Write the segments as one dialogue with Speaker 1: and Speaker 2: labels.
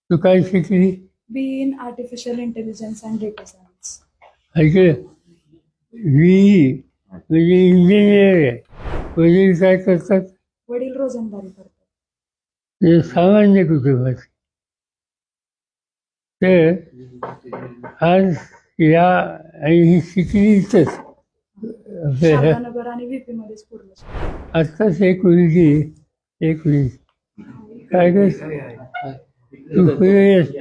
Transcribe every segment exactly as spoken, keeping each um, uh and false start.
Speaker 1: तू काय शिकली?
Speaker 2: B in artificial intelligence and data science.
Speaker 1: ऐकलं? व्ही म्हणजे इंजिनियर आहे. वडील काय करतात?
Speaker 2: वडील रोजंदारी करतात.
Speaker 1: म्हणजे सामान्य कुटुंबाचे. तर आज या आणि ही शिकली इथंच. आपल्या
Speaker 2: शारदानगर आणि व्हीपी मध्येच पूर्ण शिकले.
Speaker 1: आत्ताच एक मुलगी एक मुलगी काय कर तू पुढे ये.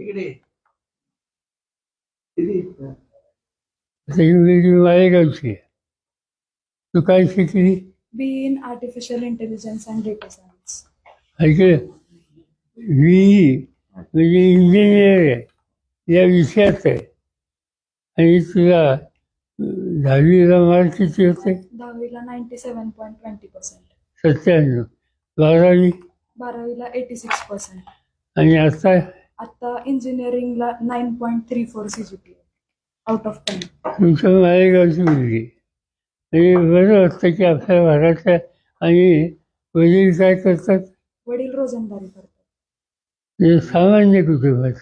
Speaker 1: आता ही मुलगी मालेगावची आहे. तू काय शिकली?
Speaker 2: B in artificial intelligence and data science.
Speaker 1: ऐकलं? व्ही म्हणजे इंजिनियर आहे. या विषयात आहे. आणि तुला अं, दहावीला मार्क किती होते?
Speaker 2: दहावीला ninety seven point twenty percent.
Speaker 1: सत्त्याण्णव. बारावी
Speaker 2: बारावीला एटी सिक्स पर्सेंट.
Speaker 1: आणि आता
Speaker 2: आता इंजिनिअरिंगला nine point three four C G P out of ten.
Speaker 1: तुमच्या मालेगावची मुलगी. म्हणजे बरं वाटतं की आपल्या भागातल्या आणि वडील काय करतात?
Speaker 2: वडील रोजंदारी करतात.
Speaker 1: म्हणजे सामान्य कुटुंबाचे.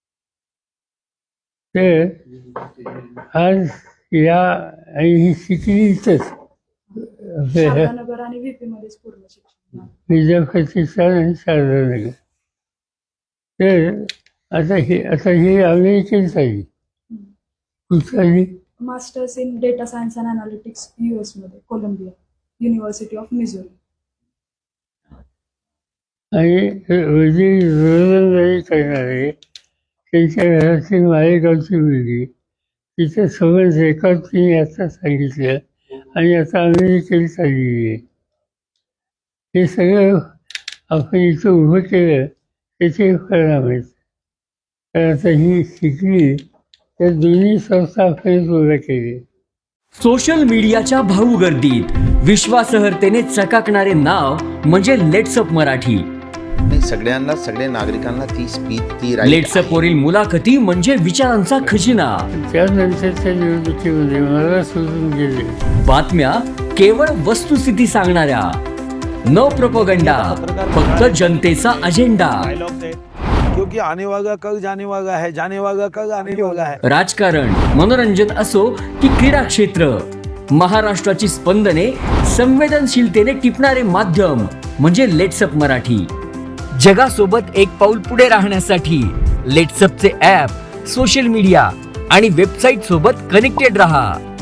Speaker 1: तर आज या आणि ही शिकली इथंच. आपल्या
Speaker 2: शारदानगर आणि व्हीपी मध्येच पूर्ण शिक्षण.
Speaker 1: विद्यापीठात आणि शारदानगर. तर आता हे आता ही अमेरिकन झाली. कुठं झाली?
Speaker 2: Masters in data science and analytics US मध्ये कोलंबिया युनिव्हर्सिटी ऑफ मिझोरी.
Speaker 1: आणि वडील रोजंदारी करणारे त्यांच्या घरातली मालेगावची मुलगी तिचं समज रेकॉर्ड तिने आता सांगितलं आणि आता अमेरिकेला चाललेली आहे. हे सगळं आपण इथं उभं केलं त्याचे परिणाम आहेत. तर आता ही शिकली तर दोन्ही संस्था आपण उभ्या केली.
Speaker 3: सोशल मीडियाच्या भाऊ गर्दीत विश्वासार्हतेने चकाकणारे नाव म्हणजे लेट्सअप मराठी.
Speaker 4: नाही, सगळ्यांना सगळ्या नागरिकांना ती स्पीच ती right
Speaker 3: लेट्सअप
Speaker 4: आहे.
Speaker 3: वरील मुलाखती म्हणजे विचारांचा खजिना.
Speaker 1: त्यानंतरच्या निवडणुकीमध्ये मला सोडून गेले.
Speaker 3: बातम्या केवळ वस्तुस्थिती सांगणाऱ्या, न प्रोपगंडा, फक्त जनतेचा अजेंडा.
Speaker 5: क्योंकि आने वाला कल जाने वाला है, जाने वाला कल आने वाला है.
Speaker 3: राजकारण, मनोरंजन असो की क्रीडा क्षेत्र, महाराष्ट्राची स्पंदने संवेदनशीलतेने टिपणारे माध्यम म्हणजे लेट्सअप मराठी. जगासोबत एक पाऊल पुढे राहण्यासाठी लेट्सअपचे ॲप, सोशल मीडिया आणि वेबसाईट सोबत कनेक्टेड रहा.